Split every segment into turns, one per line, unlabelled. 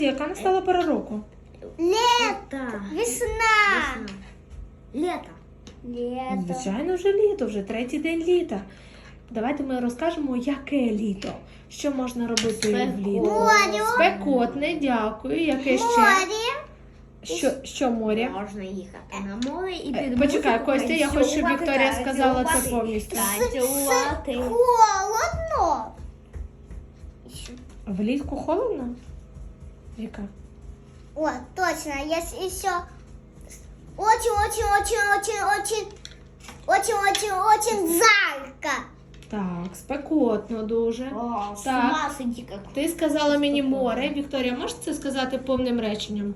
Яка настала пора року?
Лето. Весна.
Лето.
Лето.
Звичайно, вже літо, вже третій день літа. Давайте ми розкажемо, яке літо. Що можна робити влітку?
Море.
Спекотне, дякую. Яке ще?
Море.
Що море?
Можна їхати на море і під
Почекай,
музику
Костя, я хочу, щоб
танцювати,
Вікторія сказала це
танцювати,
повністю.
Танцювати.
Холодно.
Влітку холодно? Віка?
О, точно. Есть еще очень жарко.
Так, спекотно дуже.
О, з
Так.
ума сойти как.
Ти сказала мені море. Вікторія, можеш це сказати повним реченням?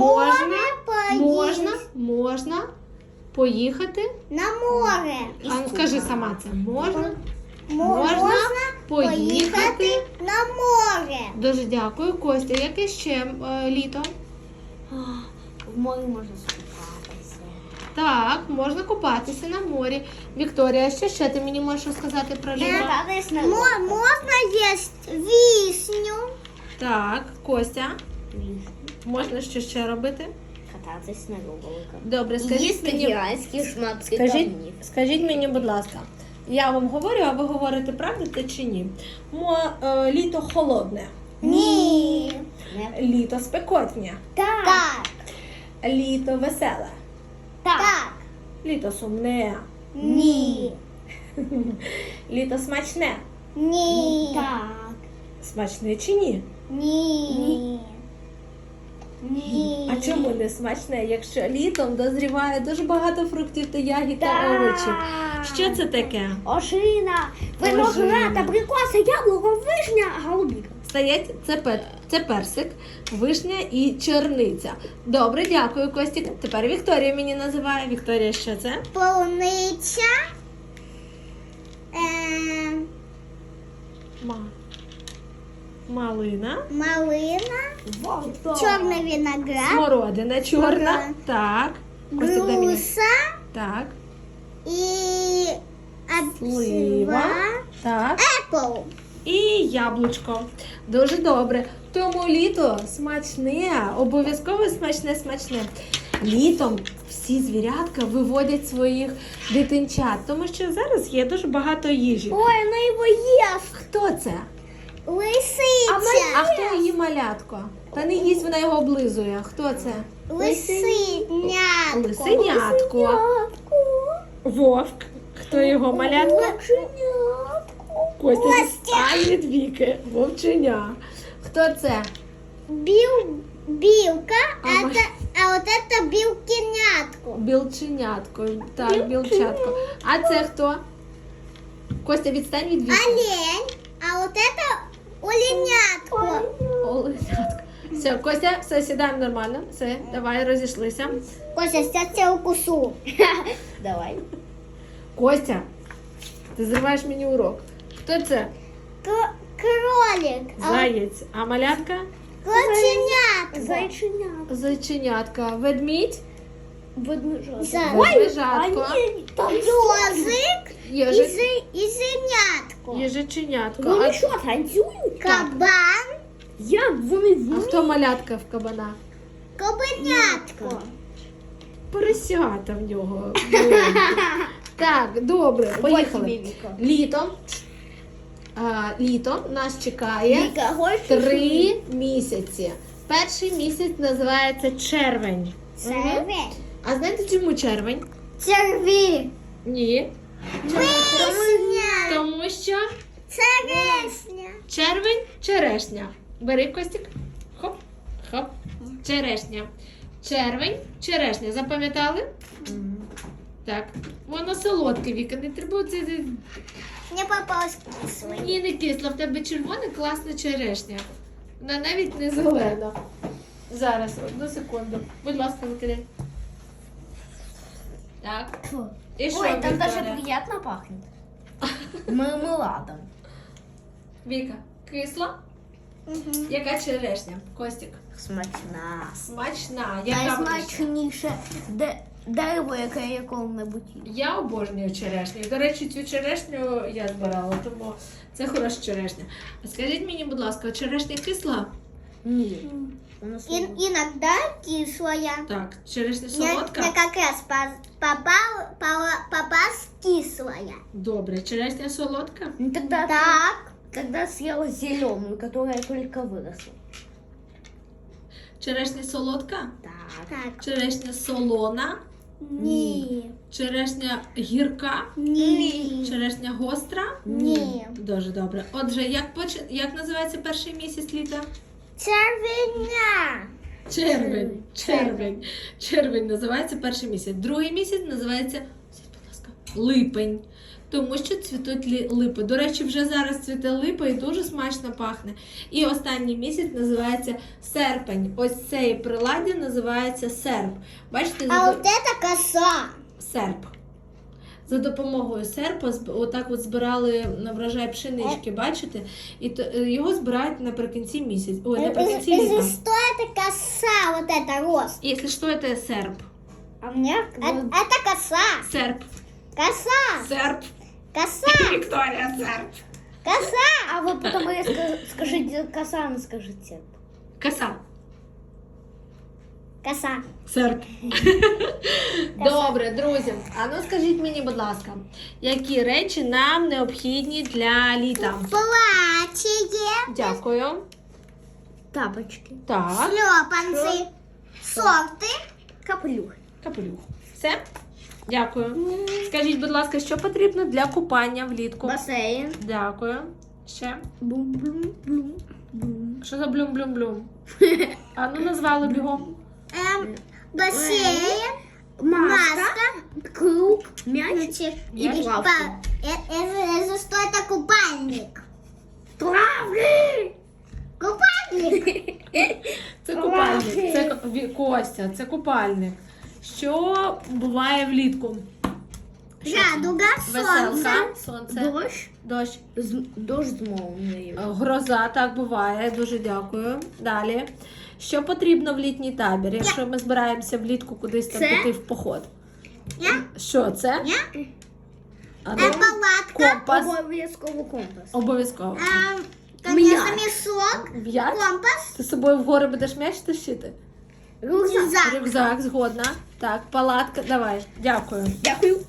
Можна поїхати.
На море.
А ну скажи сама це. Можна
Можна
поїхати.
на море.
Дуже дякую, Костя. Яке ще літо?
В морі можна скупатися.
Так, можна купатися на морі. Вікторія, що ще ти мені можеш сказати про літо?
Кататись на
Можно есть вишню.
Так, Костя, можна що ще робити?
Кататись на роликах.
Добре, скажіть
Їсти
мені,
гігантські шматки камнів.
скажіть мені, будь ласка, я вам говорю, а ви говорите правду чи ні? Літо холодне,
Ні.
літо спекотне,
Так.
літо веселе,
Так.
літо сумне,
Ні.
літо смачне.
Ні.
Так.
Смачне чи ні?
Ні. Ні.
А чому не смачне, якщо літом дозріває дуже багато фруктів та ягід та овочів? Що це таке?
Ожина, виноград, абрикоса, яблуко, вишня, голубіка.
Стоять, це персик, вишня і чорниця. Добре, дякую, Костік. Тепер Вікторія мені називає. Вікторія, що це?
Полуниця.
Малина.
Малина. Чорний виноград.
Смородина чорна.
Ага.
Так. Костік, дай мені.
Груша.
Так.
І
Слива. Так.
Apple.
І яблучко. Дуже добре. Тому літо смачне, обов'язково смачне. Літом всі звірятка виводять своїх дитинчат, тому що зараз є дуже багато їжі.
Ой, вона його їсть.
Хто це?
Лисиця.
А хто її малятко? Та не їсть, вона його облизує. Хто це?
Лисинятко.
Лисенятко. Вовк. Хто його малятко? Костя відстань від Віки. Вовченя. Хто це?
Білка,
А
а вот это білкинятко.
Білченятко. Так, білчатко. А це хто? Костя, відстань від Віки.
Олень, а вот это оленятко.
Оленятко. Все, Костя, все, сідаємо нормально. Все, давай, розійшлися.
Костя, сейчас я укусу.
Давай.
Костя, ти зриваєш мені урок. Хто це?
Кролик.
Заєць. А малятка?
Коченятко.
Зайченятко.
Зайченятка. Ведмідь?
Ведмежатко.
Ведмежатко.
Ёжик
Єжик.
и зенятко.
Єжиченятко.
Вони що, танцюють?
Кабан,
Як вони
А
вміють?
хто малятка в кабана?
кабанятко.
Поросята в нього. Так, добре, поїхали. Літо. Літо нас чекає
Віка, хочеш?
3 місяці. Перший місяць називається червень.
Червень.
А знаєте, чому червень?
Черві.
Ні.
Вишня.
Тому що
Черешня.
червень черешня. Бери, Костік. Хоп, хоп. Черешня. Червень, черешня. Запам'ятали? Так. Воно солодке, Віка. Не треба це.
Мне попалось кислый.
Ні, не кисло. В тебе червона, класна черешня. Вона навіть не зелена. Зараз, одну секунду. Будь ласка, викидай. Так. І що,
Ой, там
Вікторія?
даже приятно пахнет. Мармеладом.
Віка, кисло? Яка черешня? Костік.
Смачна.
Смачна. Яка вона ще?
Найсмачніше дерево, яке я коли-небудь їв.
Я обожнюю черешню. До речі, цю черешню я збирала, тому це хороша черешня. А скажіть мені, будь ласка, черешня кисла?
Ні. Вона солодка.
Иногда кислая.
Так, черешня
Я
солодка?
как раз попалась кислая.
Добре, черешня солодка?
Ну, тогда,
Так.
тогда съела зеленую, которая только выросла.
Черешня солодка?
Так.
Черешня солона?
Ні.
Черешня гірка?
Ні.
Черешня гостра?
Ні.
Дуже добре. Отже, як називається перший місяць літа?
Червеня.
Червень. Червень. Червень називається перший місяць. Другий місяць називається, будь ласка, липень. Тому що цвітуть липи. До речі, вже зараз цвіте липа і дуже смачно пахне. І останній місяць називається серпень. Ось цей приладдя називається серп. Бачите,
А вот это коса.
серп. За допомогою серпа отак от збирали на врожай пшенички, бачите? І його збирають наприкінці місяця. Ой, наприкінці
Если
літа.
что, это коса, вот это рост.
Якщо що, це серп.
А мне
Это коса.
Серп.
Коса.
Серп.
Коса.
Вікторія, серп.
Коса.
А вы потом скажите коса, не скажите.
Коса.
Коса.
Серп. Добре, друзі. А ну скажіть мені, будь ласка, які речі нам необхідні для літа?
Платье.
Дякую.
Тапочки.
Так.
Шлепанцы. Сорты.
Капелюх.
Капелюх. Все? Дякую. Скажіть, будь ласка, що потрібно для купання влітку?
Бассейн.
Дякую. Ще.
Бум-бум-бум.
Що за блюм-блюм-блюм? А ну назвали бігом.
Бассейн.
Маска. Круг. Мяч.
Мячик.
Мяч?
Это что это купальник?
Травки.
Купальник.
Це купальник. Це Костя, це купальник. Що буває влітку?
Радуга.
Веселка,
Солнце.
сонце,
Дождь.
дощ,
Дождь з молнией.
гроза, так буває. Дуже дякую. Далі. Що потрібно в літній табір, якщо ми збираємося влітку кудись там
Це?
піти в поход?
Я?
Що це?
Я?
А ну,
Палатка.
компас.
Обов'язково компас.
Обов'язково.
Конечно,
Мяч.
мешок.
М'яч?
Компас.
Ти з собою в гори будеш м'яч тащити?
Рюкзак.
Рюкзак, згодна. Так, палатка, давай. Дякую.
Дякую.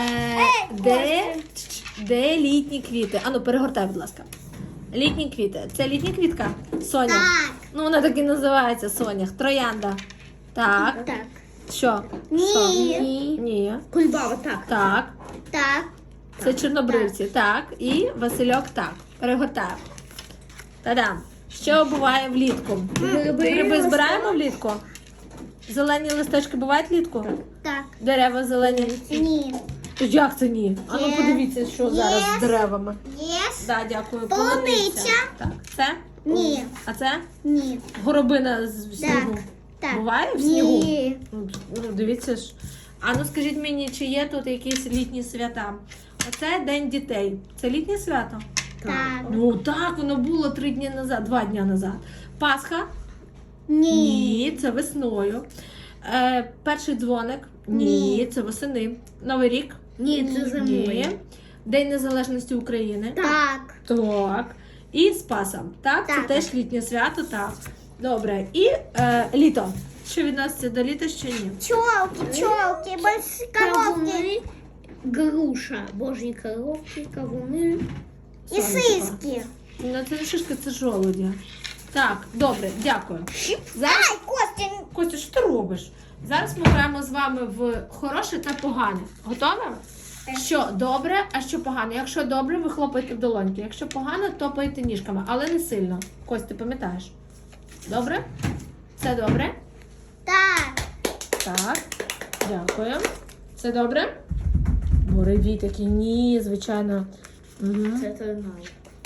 Де літні квіти? Ану, перегортай, будь ласка. Літні квіти. Це літня квітка? Соня.
Так.
Ну, вона так і називається Сонях. Троянда. Так.
Так.
Що?
Ні.
Що?
Ні.
Ні.
Кульбаба, так.
Так.
Так.
Це чорнобривці. Так. І Васильок так. Перегортаємо. Та-дам. Що буває влітку? Гриби збираємо влітку? Зелені листочки бувають влітку?
Так.
Дерева зелені.
Ні.
Як це ні? А ну
Є.
подивіться, що зараз з
Є.
деревами.
Єс.
Да, дякую.
Полуниця.
Так, це?
Ні.
А це?
Ні.
Горобина в снігу.
Так.
Буває в снігу?
Ні.
Ну, дивіться ж. А ну скажіть мені, чи є тут якісь літні свята? Оце День дітей. Це літнє свято?
Так.
Ну так, воно було 3 дні назад, 2 дні назад. Пасха?
Ні.
Ні, це весною. Перший дзвоник? Ні, це восени. Новий рік?
Ні, це зимою.
Ні. День Незалежності України?
Так.
Так. І Спаса. Так, це
Так.
теж літнє свято, так. Добре. І літо. Що відноситься до літа, що ні?
Пчелки, большие коровки.
Кавуни, груша, божі коровки, кавуни.
И сыски.
Ну, це не шишка, це жолудя. Так, добре, дякую. Зараз,
Ай, Костя.
Костя, що ти робиш? Зараз ми граємо з вами в хороше та погане. Готові? Що добре, а що погано. Якщо добре, ви хлопаєте в долоньки. Якщо погано, топаєте ніжками, але не сильно. Кость, ти пам'ятаєш? Добре? Це добре?
Так.
Так. Дякую. Це добре? Буревій такий, ні, звичайно. Угу.
Це торнадо.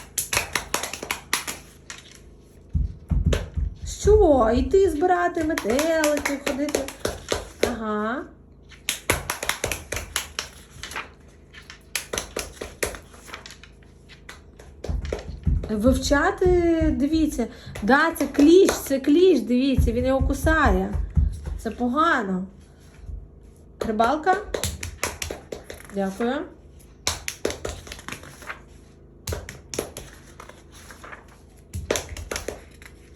Що? Іти збирати метелики, ходити. Ага. Вивчати, дивіться. Да, це кліщ, дивіться, він його кусає. Це погано. Рибалка? Дякую.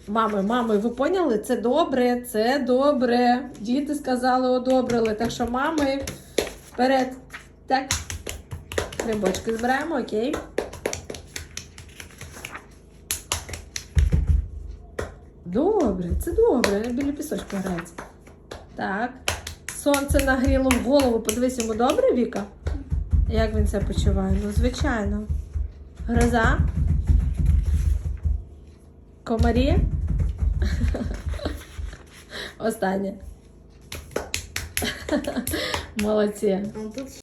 Мами, ви поняли? Це добре, це добре. Діти сказали, одобрили. Так що, мами, вперед. Так. Грибочки збираємо, окей. Добре, це добре. Біля пісочку грається. Так. Сонце нагріло в голову. Подивись, йому добре, Віка? Як він себе почуває? Ну, звичайно. Гроза? Комарі? Останнє. Молодці.
Тут